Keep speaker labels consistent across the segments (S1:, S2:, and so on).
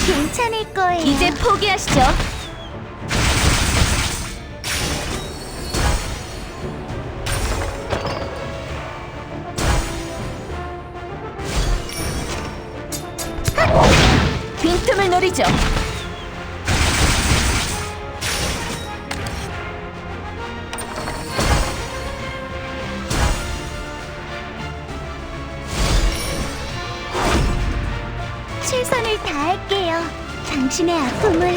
S1: 괜찮을 거예요.
S2: 이제 포기하시죠. 빈틈을 노리죠.
S1: 최선을 다할게요. 당신의 아픔을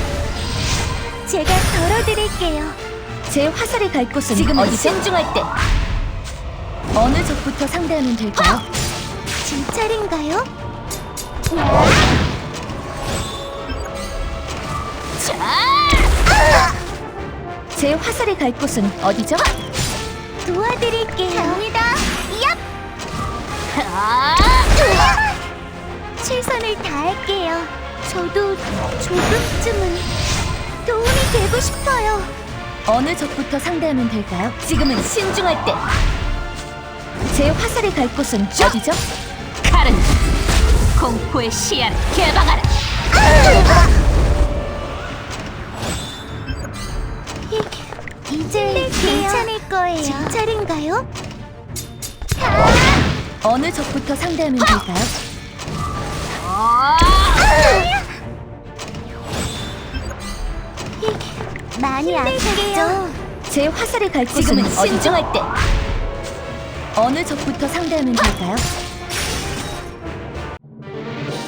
S1: 제가 덜어드릴게요.
S2: 제 화살이 갈 곳은
S1: 지금은
S2: 어디죠? 신중할 때. 어느 적부터 상대하면 될까요?
S1: 제 차례인가요?
S2: 제 화살이 갈 곳은 어디죠?
S1: 도와드릴게요. 갑니다. 얍! 최선을 다할게요. 저도 조금쯤은 도움이 되고 싶어요.
S2: 어느 적부터 상대하면 될까요? 지금은 신중할 때. 제 화살이 갈 곳은 어디죠? 칼은 공포의 시야를 개방하라.
S1: 이제 괜찮을 거예요. 제 차례인가요?
S2: 어느 적부터 상대하면 될까요?
S1: 많이 아프죠?
S2: 제 화살이 갈 곳은
S1: 지금은
S2: 어디죠? 신중할 때. 어느 적부터 상대하면 될까요?